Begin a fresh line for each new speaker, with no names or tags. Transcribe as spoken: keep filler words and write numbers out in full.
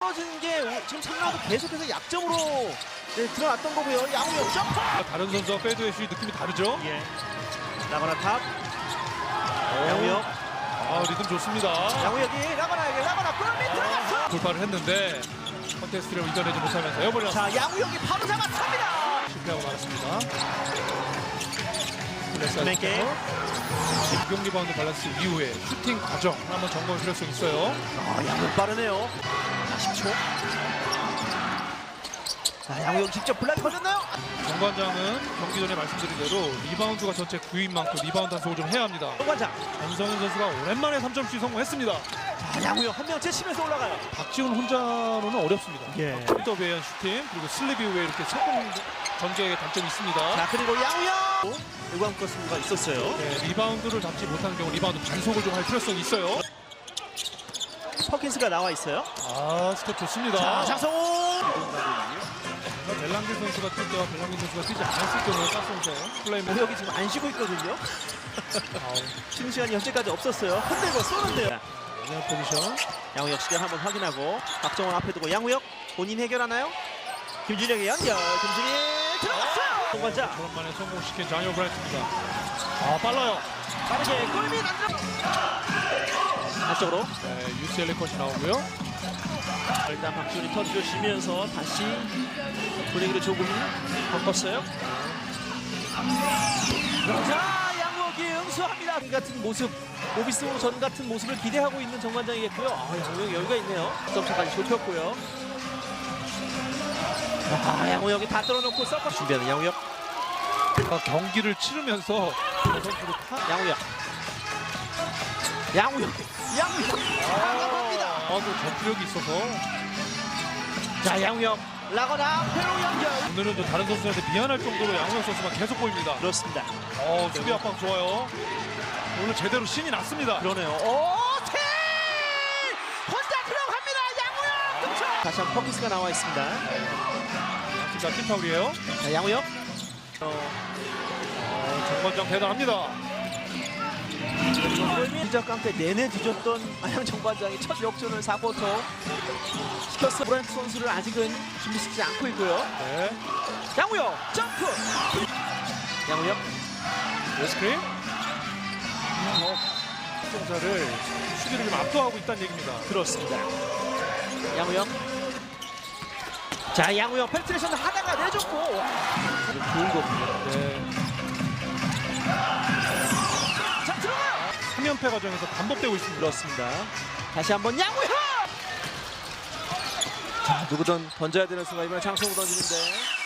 떨어지는 게 오- 지금 삼 라운드 계속해서 약점으로 네, 드러났던 거고요. 양우혁 점프.
다른 선수와 페이드웨이 슛 느낌이 다르죠?
예. 라거나 탑. 양우혁.
아, 리듬 좋습니다.
양우혁이 라거나에게 라거나 골밑 들어갔어.
돌파를 했는데 컨테스트를 이겨내지 못하면서 에어볼이
자, 양우혁이 바로 잡았습니다.
실패하고 말았습니다.
네.
공격 리바운드 밸런스 이후에 슈팅 과정 한번 점검할 필요성이 있어요.
아, 양우혁 빠르네요. 자, 십 초. 자, 양우혁 직접 블락이 걸렸나요?
정관장은 경기 전에 말씀드린 대로 리바운드가 전체 구인 만큼 리바운드 단속을 좀 해야 합니다.
정관장.
전성현 선수가 오랜만에 삼 점슛 성공했습니다.
자, 양우혁 한 명 제치면서 올라가요.
박지훈 혼자로는 어렵습니다.
예.
더베이한 슈팅 그리고 슬립 이후에 이렇게 성공 전개의 단점이 있습니다.
자, 그리고 양우혁. 일광 거스가 있었어요.
네, 리바운드를 잡지 못하는 경우 리바운드 단속을 좀 할 필요성이 있어요.
퍼킨스가 나와 있어요.
아, 스텝 좋습니다.
자, 장성호.
벨랑길 선수가 뛸 때와 벨랑길 선수가 뛰지 않았을 경우에 깍선서 플레이맨
양우혁이 지금 안 쉬고 있거든요. 쉬는 시간이 현재까지 없었어요. 흔들고 쏘는데요.
영향 포지션.
양우혁 시간 한번 확인하고 박정원 앞에 두고 양우혁 본인 해결하나요? 김준혁의 연결. 김준희 들어갔어요. 동관자
오랜만에 성공시킨 장효 브라이트입니다. 아, 빨라요.
빠르게 골밑 안 들어. 안쪽으로.
네, 유씨엘에이 컷이 나오고요.
일단 박준이 터치를 쉬면서 다시 분위기를 조금 바꿨어요. 자, 양우혁이 응수합니다. 이 같은 모습, 오비스 전 같은 모습을 기대하고 있는 정관장이겠고요. 아, 양우혁 여유가 있네요. 점차까지 좁혔고요. 아, 양우혁이 다 뚫어놓고 서커 준비하는 양우혁.
아, 경기를 치르면서 선수로 타.
양우혁. 양우혁. 양우혁. 강합니다.
아, 또 전투력이 있어서
자, 양우혁. 라거나 회로 연결.
오늘은 또 다른 선수한테 미안할 정도로 양우혁 선수가 계속 보입니다.
그렇습니다.
어, 수비 압박 좋아요. 오늘 제대로 신이 났습니다.
그러네요. 오, 태! 혼자 들어갑니다. 양우혁. 득점. 다시 한번 퍼키스가 나와 있습니다.
자, 팀 파울이에요.
자, 양우혁. 어,
어, 정관장 대단합니다.
진짜 깡패 내내 뒤졌던 안양 정관장이 첫 역전을 사 쿼터 시켰어. 브랜트 선수를 아직은 준비시키지 않고 있고요.
네.
양우혁 점프. 양우혁.
레스크림. 시청자를 수비를 좀 압도하고 있다는 얘기입니다.
그렇습니다. 양우혁. 자, 양우혁 펜트레이션 하다가 내줬고. 와, 좋은 거군요.
네.
자, 들어가요.
삼 연패 과정에서 반복되고 있습니다.
그렇습니다. 다시 한번 양우혁. 자, 누구든 던져야 되는 순간 이번에 장성우 던지는데